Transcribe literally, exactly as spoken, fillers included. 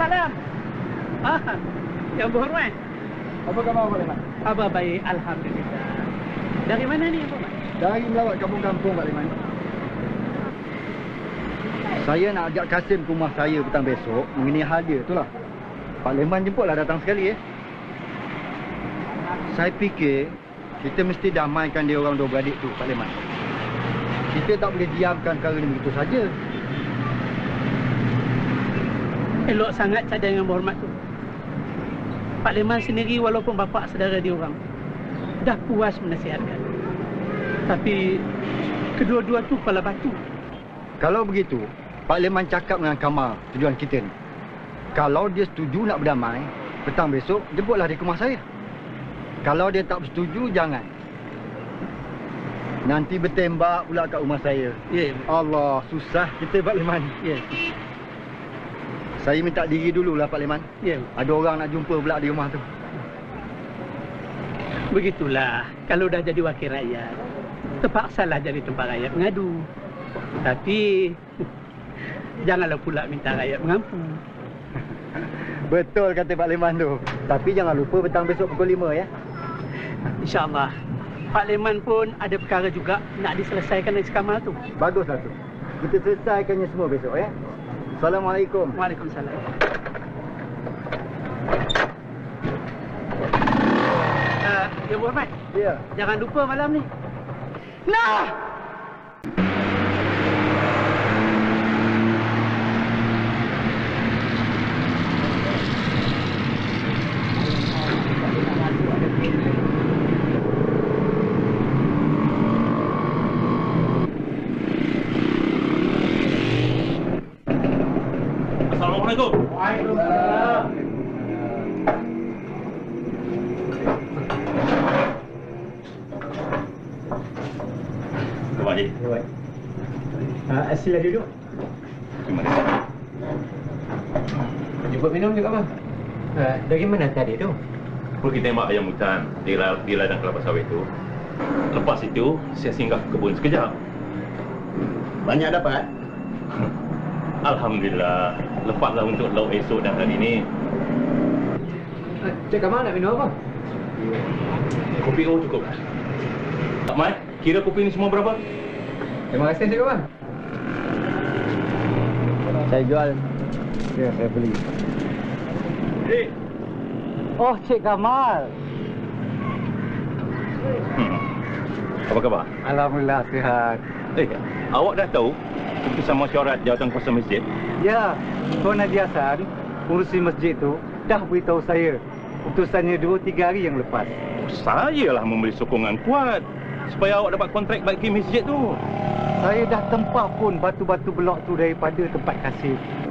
malam. Ah, yang berhormat. Apa khabar Pak Liman? Khabar baik, alhamdulillah. Dari mana ni, Yang Berhormat? Dari melawat kampung-kampung Pak Liman. Saya nak ajak Kasim ke rumah saya petang besok mengenai hal dia tu lah. Pak Liman jemputlah datang sekali eh. Saya fikir kita mesti damaikan dia orang dua beradik tu Pak Liman. Kita tak boleh diamkan perkara ni begitu saja. Elok sangat cadang Yang Berhormat tu. Pak Liman sendiri walaupun bapa saudara dia orang dah puas menasihatkan. Tapi kedua-dua tu kepala batu. Kalau begitu, Pak Liman cakap dengan Kamal tujuan kita ni. Kalau dia setuju nak berdamai, petang besok jemputlah dia ke rumah saya. Kalau dia tak bersetuju, jangan. Nanti bertembak pula kat rumah saya. Ya. Yeah. Allah, susah kita Pak Liman. Ya. Yeah. Saya minta diri dululah Pak Liman. Ya. Yeah. Ada orang nak jumpa pula di rumah tu. Begitulah, kalau dah jadi wakil rakyat, terpaksalah jadi tempat rakyat mengadu. Tapi janganlah pula minta rakyat mengampu. Betul kata Pak Liman tu. Tapi jangan lupa petang besok pukul lima ya. InsyaAllah. Pak Liman pun ada perkara juga nak diselesaikan dengan si Kamal tu. Baguslah tu. Kita selesaikannya semua besok ya. Assalamualaikum. Waalaikumsalam. Uh, Yang Berhormat. Ya. Jangan lupa malam ni. Nah! Assalamualaikum. Waalaikumsalam. Terima kasih. Baik. Ah, sila duduk. Terima kasih. Jemput minum juga bang. Uh, dari mana tadi tu? Pergi tembak ayam hutan di, la di ladang kelapa sawit tu. Lepas itu, saya singgah ke kebun sekejap. Banyak dapat? Alhamdulillah. Lepaslah untuk lauk esok dan hari ini. Uh, Cik Kamal nak minum apa? Kopi O cukup. Tak Mai, kira kopi ni semua berapa? Terima kasih Cik Kamal. Saya jual. Ya, saya beli. Eh. Oh, Cik Kamal. Hmm. Apa khabar? Alhamdulillah sihat. Eh, awak dah tahu keputusan mesyuarat jawatan kuasa masjid? Ya, Tuan Haji Hassan, pengurusi masjid tu dah beritahu saya keputusannya dua tiga hari yang lepas. Sayalah memberi sokongan kuat supaya awak dapat kontrak bagi masjid tu. Saya dah tempah pun batu-batu blok tu daripada tempat Kasim.